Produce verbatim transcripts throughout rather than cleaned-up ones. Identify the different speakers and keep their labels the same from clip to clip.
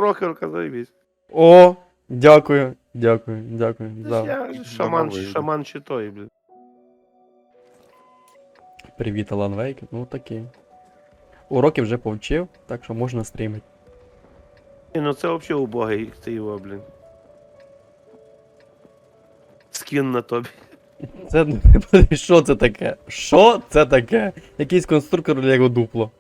Speaker 1: прохорка, заебись.
Speaker 2: О, дякую, дякую, дякую. За...
Speaker 1: Я ж шаман,
Speaker 3: Домовий, да.
Speaker 1: шаман чи той, блін.
Speaker 2: Привіт, Алан Вейк. Ну такі. Уроки вже повчив, так що можна стрімити.
Speaker 1: Ні, ну це взагалі убогий ти його, блін. Скін на тобі.
Speaker 2: Це що це таке? Що це таке? Якийсь конструктор Лего дупло.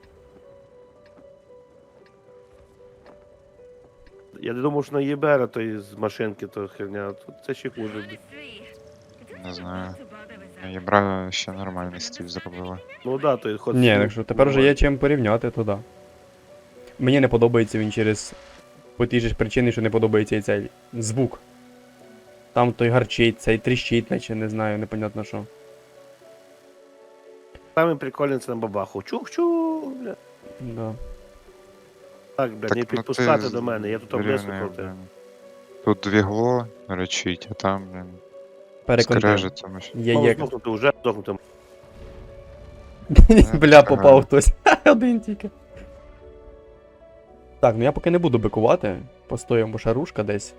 Speaker 1: Я не думав, що на Єбера той з машинки, то херня, а тут це ще хуже, блін.
Speaker 3: Не знаю. Єбра ще нормальний стиль зробила.
Speaker 1: Ну да, той ход.
Speaker 2: Ні, так що тепер вже є чим порівняти, то да. Мені не подобається він через по тій же ж причині, що не подобається і цей звук. Там той гарчить, цей тріщить, наче не знаю, непонятно що.
Speaker 1: Саме прикольне це на бабаху. Чух-чух, бля.
Speaker 2: Да.
Speaker 1: Так, бля,
Speaker 3: Так,
Speaker 1: не
Speaker 3: ну,
Speaker 1: підпускати
Speaker 3: ти
Speaker 1: до мене, я тут
Speaker 3: рівний,
Speaker 1: облесухав те.
Speaker 3: блін. Тут двігло речить, а там, блін,
Speaker 2: Переконтив.
Speaker 3: скрежет, тому що.
Speaker 2: Є
Speaker 1: Мало
Speaker 2: є.
Speaker 1: здохнути, вже здохнути.
Speaker 2: Бля, попав хтось. Один тільки. Так, ну я поки не буду бикувати. Постоїмо, бо шарушка десь.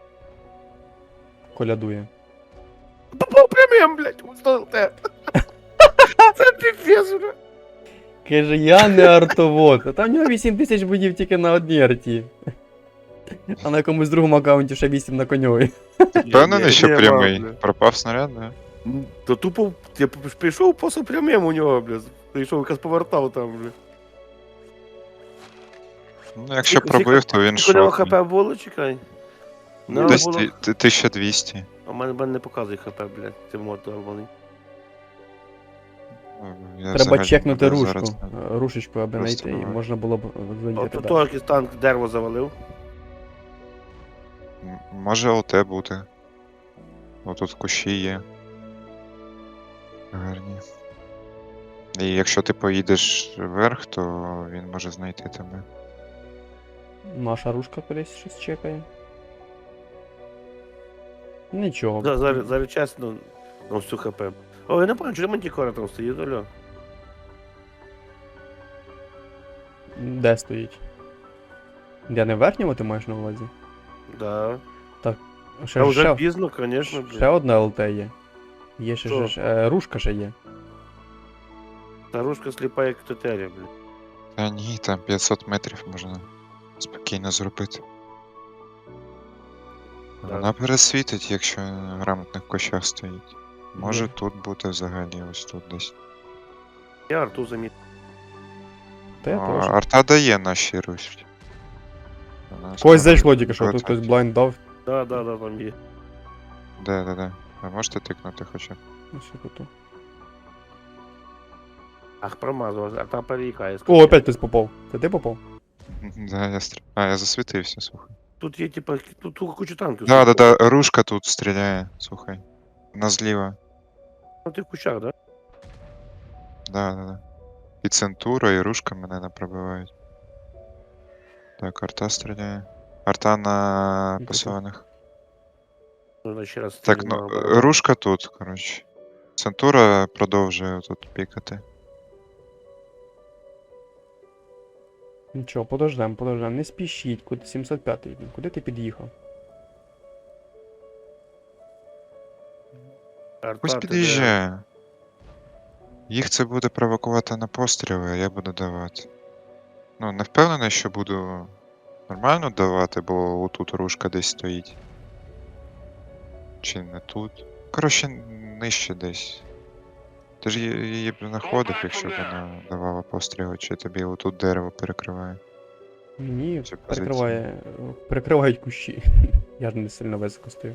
Speaker 2: Колядує.
Speaker 1: Попав прямим, блядь, устал те. Це піпець, бля.
Speaker 2: Каже, я не артовод. А там в нього вісім тисяч будів тільки на одній арті. А на якомусь другому аккаунті ще вісім на коньові.
Speaker 3: Впевнений, що
Speaker 1: Ні,
Speaker 3: прямий.
Speaker 1: бля.
Speaker 3: Пропав снаряд, да?
Speaker 1: То тупо, я п- прийшов просто прямим у нього, бля. Прийшов, якось повертав там, бля.
Speaker 3: Ну, якщо
Speaker 1: Скільки-
Speaker 3: пробив, то він
Speaker 1: Скільки у нього
Speaker 3: шотний.
Speaker 1: хп було, чекай. Ну,
Speaker 3: Десь
Speaker 1: було-
Speaker 3: ти- ти- тисяча двісті.
Speaker 1: А в мене, в мене не показує хп, блядь, ти мод долбаний.
Speaker 3: Ну, я
Speaker 2: Треба
Speaker 3: взагалі
Speaker 2: чекнути
Speaker 3: не
Speaker 2: рушку.
Speaker 3: зараз не-
Speaker 2: Рушечку, аби
Speaker 3: Просто
Speaker 2: знайти, і
Speaker 3: давай.
Speaker 2: можна було б
Speaker 1: От
Speaker 2: задіяти.
Speaker 1: тут
Speaker 2: Да.
Speaker 1: якийсь танк дерево завалив.
Speaker 3: М- Може ЛТ бути. Отут кущі є. Гарні. І якщо ти поїдеш вверх, то він може знайти тебе.
Speaker 2: Наша рушка кудись щось чекає. Нічого.
Speaker 1: За- Зараз, зараз чесно, на всю хп. О, я не пам'ятаю, чому мантікора там стоїть, алло.
Speaker 2: Де стоїть? Де не в верхньому ти маєш на увазі?
Speaker 1: Да.
Speaker 2: Ще,
Speaker 1: Та вже
Speaker 2: ще,
Speaker 1: пізно, звісно,
Speaker 2: ще
Speaker 1: блядь.
Speaker 2: одна ЛТ є. Є ще
Speaker 1: Що?
Speaker 2: ж, е, рушка ще є.
Speaker 1: Старушка сліпа, як тетеря, блядь.
Speaker 3: Та ні, там п'ятсот метрів можна спокійно зробити.
Speaker 1: Так.
Speaker 3: Вона пересвітить, якщо на грамотних кущах стоїть. Може
Speaker 2: Є.
Speaker 3: тут бути взагалі, ось тут десь.
Speaker 1: Я арту заміт.
Speaker 2: Та я
Speaker 3: О,
Speaker 2: теж.
Speaker 3: арта дає наші русі. Вона
Speaker 2: Когось
Speaker 3: скоро
Speaker 2: зайшло тільки що, тут
Speaker 3: прилетить.
Speaker 2: хтось блайнд дав.
Speaker 1: Да, да, да, там є.
Speaker 3: Де, де, де. Ви можете тикнути хоча б?
Speaker 2: Ось тут.
Speaker 1: Ах, промазав, арта переїхає.
Speaker 2: О, опять хтось попав. Це ти попав?
Speaker 3: Да, я стр... А, я засвітився, слухай.
Speaker 1: Тут є, типа, тут, тут куча танків.
Speaker 3: Да, да,
Speaker 1: стоїть.
Speaker 3: да, рушка тут стріляє, слухай. На зліва.
Speaker 1: Ну, ти в кучах, да?
Speaker 3: Да, да, да. І центура, і рушка мене не пробивають. Так, арта стріляє. Арта на
Speaker 2: Добре.
Speaker 3: посилених.
Speaker 1: Нужно ще раз.
Speaker 3: Так,
Speaker 1: стрільну
Speaker 3: ну,
Speaker 1: обирати.
Speaker 3: рушка тут, коротше. Центура продовжує тут пікати.
Speaker 2: Нічого, подождем, подождем. Не спішіть, куди сімсот п'ятий. Куди ти під'їхав?
Speaker 1: Арта,
Speaker 3: Пусть
Speaker 1: ти де?
Speaker 3: під'їжджає. Їх це буде провокувати на постріли, а я буду давати. Ну, не впевнений, що буду нормально давати, бо отут рушка десь стоїть. Чи не тут. Коротше, нижче десь. Ти ж її- її б знаходив, якщо б вона давала постріли, чи тобі отут дерево перекриває.
Speaker 2: Ні,
Speaker 3: Цю
Speaker 2: перекриває. Перекривають кущі. Я ж не сильно високо стою.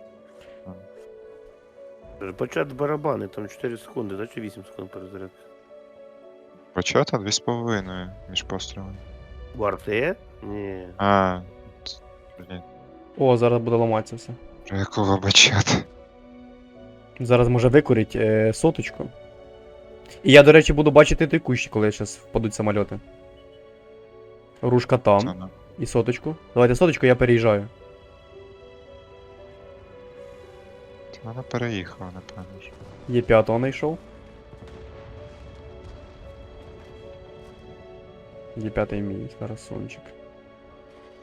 Speaker 1: Почати барабани, там чотири секунди, да, чи вісім секунд перезарядки?
Speaker 3: Почата дві з половиною між пострілами.
Speaker 1: У арти? Ні.
Speaker 3: А, ц- блін,
Speaker 2: О, зараз буде ламатися все.
Speaker 3: про якого бачата?
Speaker 2: Зараз може викурить е, соточку. І я, до речі, буду бачити той кущ, коли зараз впадуть самольоти. Рушка
Speaker 3: Це,
Speaker 2: там.
Speaker 3: ну,
Speaker 2: І соточку. Давайте соточку, я переїжджаю.
Speaker 3: це вона переїхала, напевно ж.
Speaker 2: Є п'ятого знайшов. Є п'ятий мій красунчик.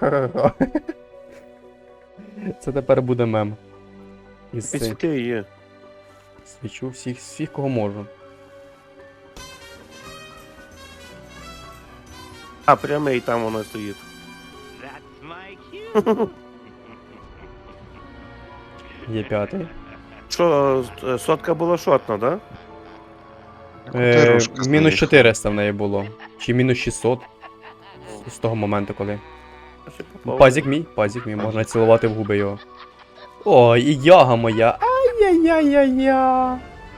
Speaker 2: Ха-ха-ха-ха. Це тепер буде мем. Із цих.
Speaker 1: Підсвіти є.
Speaker 2: Свічу всіх, всіх, кого можу.
Speaker 1: А, прямий там вона стоїть.
Speaker 2: Є п'ятий.
Speaker 1: Що, е, сотка була шотна, да?
Speaker 3: Ну, куди
Speaker 2: Е,
Speaker 3: рушка
Speaker 2: мінус
Speaker 3: заїхала?
Speaker 2: чотириста в неї було. Чи мінус шістсот. З того моменту, коли.
Speaker 1: Я ще попав.
Speaker 2: Пазік мій, пазік мій, можна цілувати в губи його. Ой, і яга моя. Ай-яй-яй-яй-я.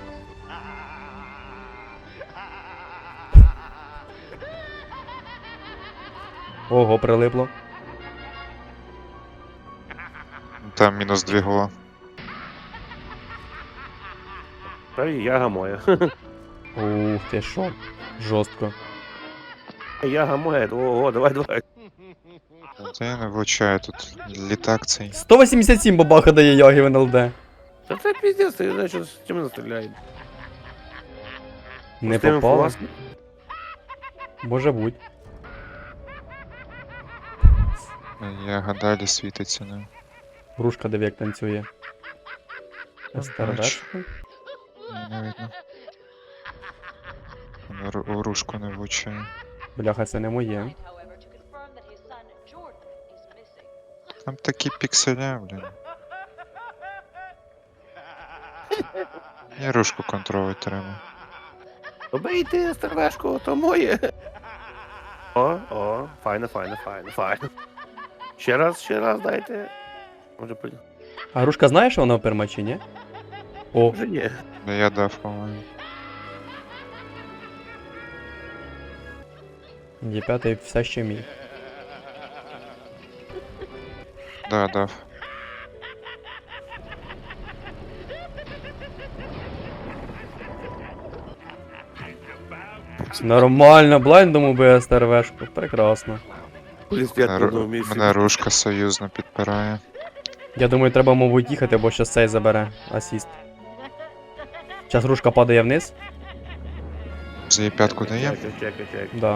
Speaker 2: Ого, прилипло.
Speaker 3: Там мінус дві гола.
Speaker 1: Та і яга моя.
Speaker 2: Ух ти що. Жорстко.
Speaker 1: Яга моя, ого, давай, давай.
Speaker 3: Та я не влучаю тут літак цей.
Speaker 2: сто вісімдесят сім бабаха дає яги в ен ел де.
Speaker 1: Та це піздець, ти знаєш, що з чим не стріляє.
Speaker 2: Не
Speaker 1: З тим
Speaker 2: попало.
Speaker 1: фугасом.
Speaker 2: Може бути.
Speaker 3: Я гадалі світиться, не.
Speaker 2: Грушка диви як танцює.
Speaker 3: бачу.
Speaker 2: Старвешка.
Speaker 3: Не видно. Вона ру- Рушку не влучає.
Speaker 2: Бляха, це не моє.
Speaker 3: Там такі пікселя, блін. Я рушку контролювати треба.
Speaker 1: Добийте стервешку, то моє. О, о, файно, файно, файно, файно. Ще раз, ще раз дайте. Може, пи-
Speaker 2: А грушка знає, що вона в пермачі, ні? О,
Speaker 1: Може ні.
Speaker 3: Да я дав, по-моєму.
Speaker 2: є п'ятий все ще мій.
Speaker 3: Да, дав.
Speaker 2: Нормально, блайндом убив старвешку. Прекрасно.
Speaker 1: Плюс п'ять
Speaker 3: Мене,
Speaker 1: на
Speaker 3: ру-
Speaker 1: одному місці.
Speaker 3: мене рушка союзно підпирає.
Speaker 2: Я думаю, треба, мабуть, їхати, бо щас цей забере асіст. Час грушка падає вниз.
Speaker 3: За її п'ятку дає.
Speaker 1: Чекай, чекай, чекай.
Speaker 2: Да.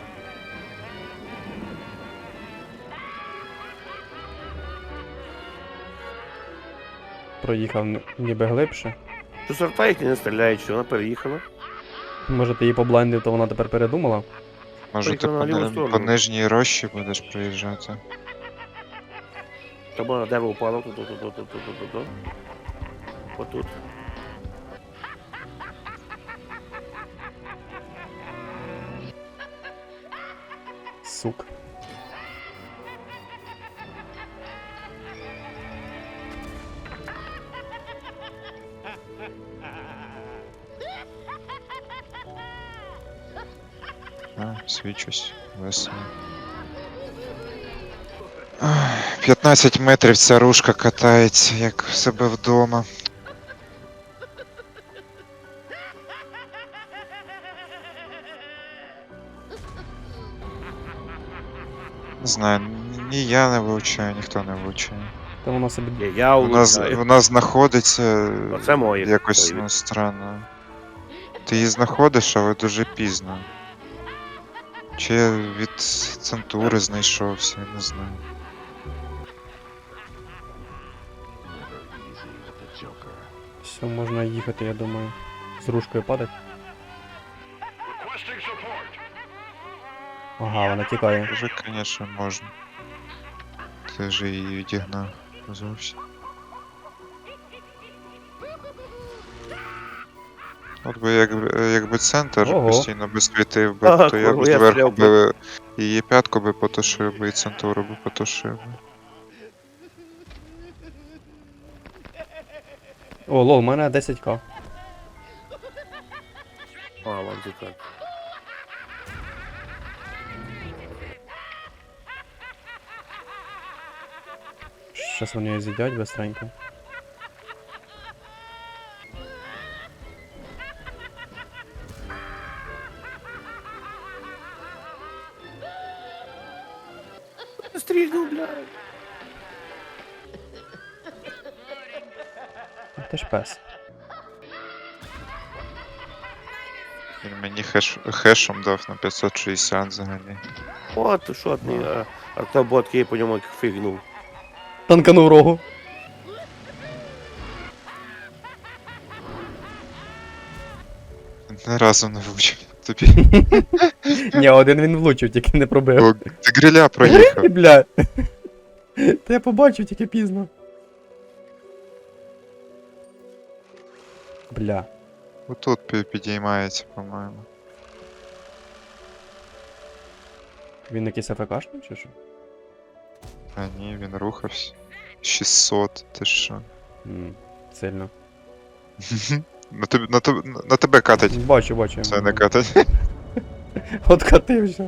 Speaker 2: Проїхав н- ніби глибше.
Speaker 1: Що сорта їх не стріляють, що вона переїхала?
Speaker 2: Може ти її поблайндив, то вона тепер передумала?
Speaker 3: Може ти
Speaker 1: Поїхала
Speaker 3: по,
Speaker 1: на ліву
Speaker 3: ни-
Speaker 1: сторону.
Speaker 3: по нижній рощі будеш проїжджати.
Speaker 1: Тому на дерево упало, тут, тут, тут, тут, тут, тут, тут, тут. Отут.
Speaker 2: Сук.
Speaker 3: А, свічусь. Весело. Ах, п'ятнадцять метрів ця рушка катається, як в себе вдома. Не знаю, ні я не вивчаю, ніхто не вивчає.
Speaker 2: Та вона собі.
Speaker 1: Є, я
Speaker 3: Вона, з-
Speaker 1: улучшаю.
Speaker 3: вона знаходиться
Speaker 1: Оце моє.
Speaker 3: якось
Speaker 1: Це
Speaker 3: ну, странно. Ти її знаходиш, але дуже пізно. Чи я від центури знайшовся, я не знаю.
Speaker 2: Все, можна їхати, я думаю. З рушкою падать. Ага, вона тікає.
Speaker 3: Вже, звісно, можна. Ти ж її відігнав зовсім. От би якби, якби центр
Speaker 2: Ого.
Speaker 3: постійно би світив би,
Speaker 1: Ага,
Speaker 3: то я б
Speaker 1: курва, я
Speaker 3: зверху
Speaker 1: стріляв
Speaker 3: би її п'ятку би потушив би і центуру би потушив би.
Speaker 2: О, лол, у мене десять ка.
Speaker 1: А, вон ти так.
Speaker 2: Щас вони її з'їдять быстренько.
Speaker 1: Стрільнув, блядь.
Speaker 2: Ти ж пес.
Speaker 3: Він мені хеш, хешом дав на п'ятсот шістдесят взагалі.
Speaker 1: От, що ти, а, автобот їй по ньому як фігнув.
Speaker 2: Танканув рогу.
Speaker 3: Ні разу не влучив. Тобі.
Speaker 2: Ні, один він влучив, тільки не пробив.
Speaker 3: О, ти гриля проїхав.
Speaker 2: Бля. Та я побачив тільки пізно. Бля.
Speaker 3: Отут пі- підіймається, по-моєму.
Speaker 2: Він якийсь АФКшний чи що?
Speaker 3: А ні, він рухався. шістсот, ти що?
Speaker 2: М, Сильно.
Speaker 3: На тебе, на тебе, на тебе катать.
Speaker 2: Бачу, бачу.
Speaker 3: Це не катать.
Speaker 2: Откатився.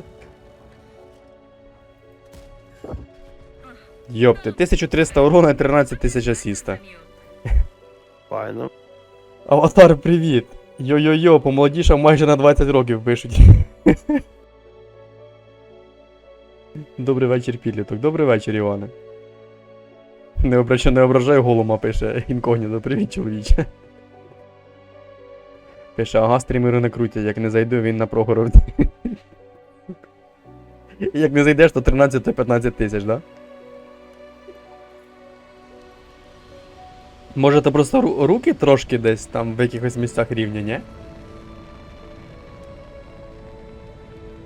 Speaker 2: Йопти, тисяча триста урона і тринадцять тисяч асіста.
Speaker 1: Файно.
Speaker 2: Аватар, привіт! Йо-йо-йо, помолодішав майже на двадцять років пишуть. Добрий вечір, підліток. Добрий вечір, Іване. Не обращай, не ображай голума, пише інкогніто. Привіт, чоловіче. Пише, ага, стрімери не крутять, як не зайду, він на прогород. Як не зайдеш, то тринадцять то п'ятнадцять тисяч, да? Може, то просто ру- руки трошки десь там в якихось місцях рівня, ні?